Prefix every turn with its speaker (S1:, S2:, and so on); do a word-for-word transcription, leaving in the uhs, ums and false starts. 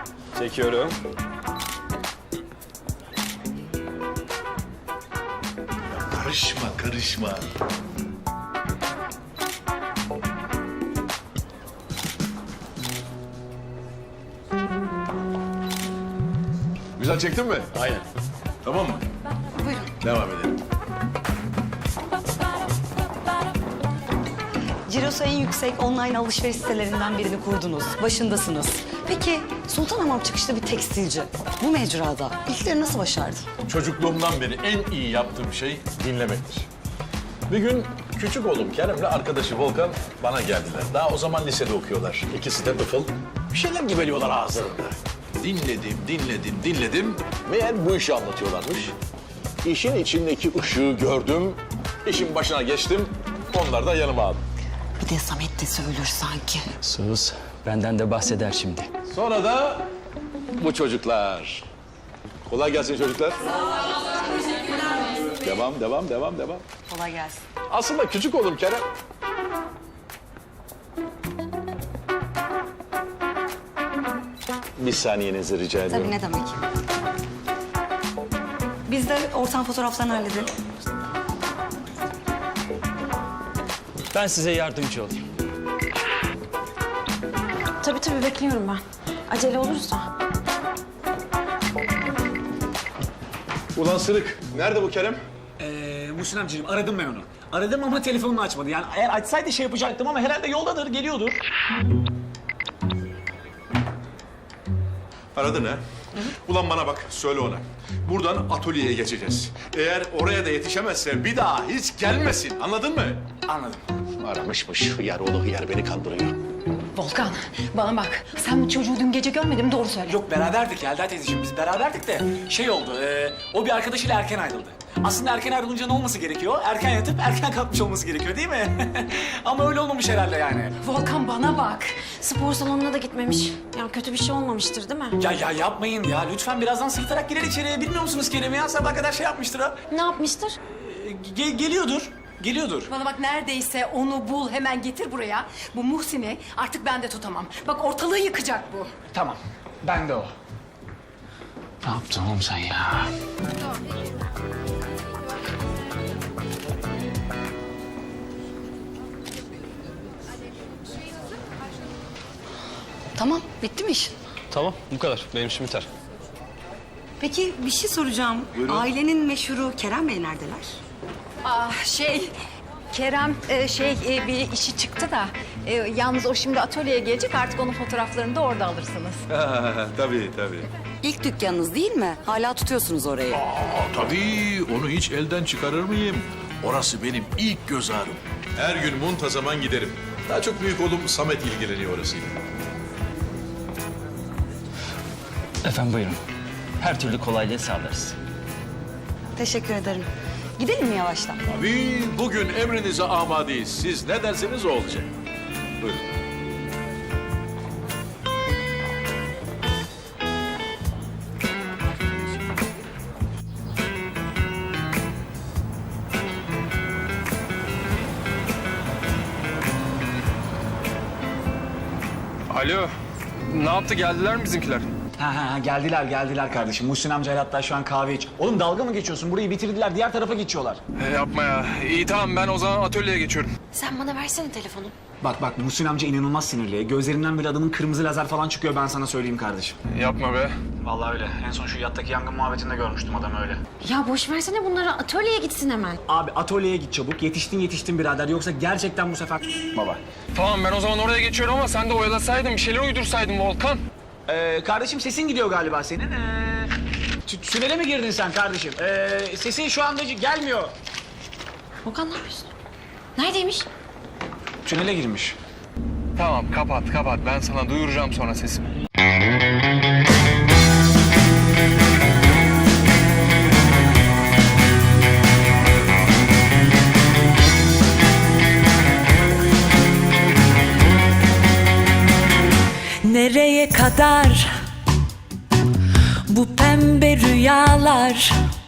S1: Çekiyorum.
S2: Karışma, karışma. Güzel çektin mi?
S1: Aynen.
S2: Tamam mı?
S3: Buyurun.
S2: Devam edelim.
S3: Cirosu en yüksek online alışveriş sitelerinden birini kurdunuz. Başındasınız. Peki Sultanhamam çıkışlı bir tekstilci. Bu mecrada ilkleri nasıl başardı?
S2: Çocukluğumdan beri en iyi yaptığım şey dinlemektir. Bir gün küçük oğlum Kerem'le arkadaşı Volkan bana geldiler. Daha o zaman lisede okuyorlar. İkisi de tıfıl. Bir şeyler gibeliyorlar ağızlarında. Dinledim, dinledim, dinledim. Meğer bu işi anlatıyorlarmış. İşin içindeki ışığı gördüm. İşin başına geçtim. Onlar da yanıma aldı.
S3: Bir de Samet de söylür sanki.
S1: Sus. Benden de bahseder şimdi.
S2: Sonra da bu çocuklar. Kolay gelsin çocuklar. Devam, devam, devam, devam.
S3: Kolay gelsin.
S2: Aslında küçük oğlum Kerem. Bir saniyenizi rica ediyorum.
S3: Tabii ne demek. Biz de ortam fotoğraflarını halledelim.
S1: Ben size yardımcı olayım.
S4: Tabii tabii bekliyorum ben. Acele olursa.
S2: Ulan Sırık, nerede bu Kerem?
S5: Ee, Muhsin amcacığım aradım ben onu. Aradım ama telefonunu açmadı. Yani eğer açsaydı şey yapacaktım ama herhalde yoldadır, geliyordur.
S2: Aradın ha? Ulan bana bak, söyle ona. Buradan atölyeye geçeceğiz. Eğer oraya da yetişemezse bir daha hiç gelmesin, anladın mı?
S5: Anladım.
S2: Aramışmış, hıyar oğlu hıyar beni kandırıyor.
S4: Volkan bana bak. Sen bu çocuğu dün gece görmedin mi? Doğru söyle.
S5: Yok beraberdik Yelda teyzeciğim, biz beraberdik de şey oldu. E, o bir arkadaşıyla erken ayrıldı. Aslında erken ayrılınca ne olması gerekiyor? Erken yatıp erken kalkmış olması gerekiyor değil mi? Ama öyle olmamış herhalde yani.
S4: Volkan bana bak. Spor salonuna da gitmemiş. Ya kötü bir şey olmamıştır değil mi?
S5: Ya ya yapmayın ya. Lütfen birazdan sırıtarak girer içeriye. Bilmiyor musunuz Kerem'i ya? Sabah kadar şey yapmıştır ha.
S4: Ne yapmıştır?
S5: E, ge- geliyordur. Geliyordur.
S4: Bana bak neredeyse onu bul hemen getir buraya. Bu Muhsin'i artık ben de tutamam. Bak ortalığı yıkacak bu.
S5: Tamam. Ben de o. Ne yaptın oğlum sen ya?
S3: Tamam, bitti mi iş?
S1: Tamam, bu kadar. Benim işim biter.
S3: Peki bir şey soracağım. Ailenin meşhuru Kerem Bey neredeler?
S4: Ah şey Kerem e, şey e, bir işi çıktı da e, yalnız o şimdi atölyeye gelecek artık onun fotoğraflarını da orada alırsınız.
S2: tabii, tabii.
S3: İlk dükkanınız değil mi? Hala tutuyorsunuz orayı.
S2: Aa, tabii, onu hiç elden çıkarır mıyım? Orası benim ilk göz ağrım. Her gün muntazaman giderim. Daha çok büyük oğlum Samet ilgileniyor orasıyla.
S1: Efendim buyurun. Her türlü kolaylığı sağlarız.
S3: Teşekkür ederim. Gidelim mi yavaştan?
S2: Tabii, bugün emrinize amadeyiz. Siz ne derseniz o olacak. Buyurun.
S6: Alo. Ne yaptı? Geldiler mi bizimkiler?
S5: Ha ha ha, geldiler geldiler kardeşim. Muhsin amcayla hatta şu an kahve iç. Oğlum dalga mı geçiyorsun? Burayı bitirdiler, diğer tarafa geçiyorlar.
S6: E, yapma ya. İyi tamam ben o zaman atölyeye geçiyorum.
S4: Sen bana versene telefonu.
S5: Bak bak Muhsin amca inanılmaz sinirli. Gözlerinden bile adamın kırmızı lazer falan çıkıyor, ben sana söyleyeyim kardeşim.
S6: Yapma be.
S5: Vallahi öyle. En son şu yattaki yangın muhabbetinde görmüştüm adamı öyle.
S4: Ya boş versene bunları atölyeye gitsin hemen.
S5: Abi atölyeye git çabuk. Yetiştin yetiştin birader. Yoksa gerçekten bu sefer baba.
S6: Tamam ben o zaman oraya geçiyorum ama sen de oyalasaydın, bir şeyler uydursaydın Volkan.
S5: Ee, kardeşim sesin gidiyor galiba senin. Ee, tü- tünele mi girdin sen kardeşim? Ee, sesin şu anda gelmiyor.
S4: Volkan ne yapıyorsun? Neredeymiş?
S5: Tünele girmiş.
S6: Tamam kapat kapat. Ben sana duyuracağım sonra sesimi.
S7: Nereye kadar bu pembe rüyalar?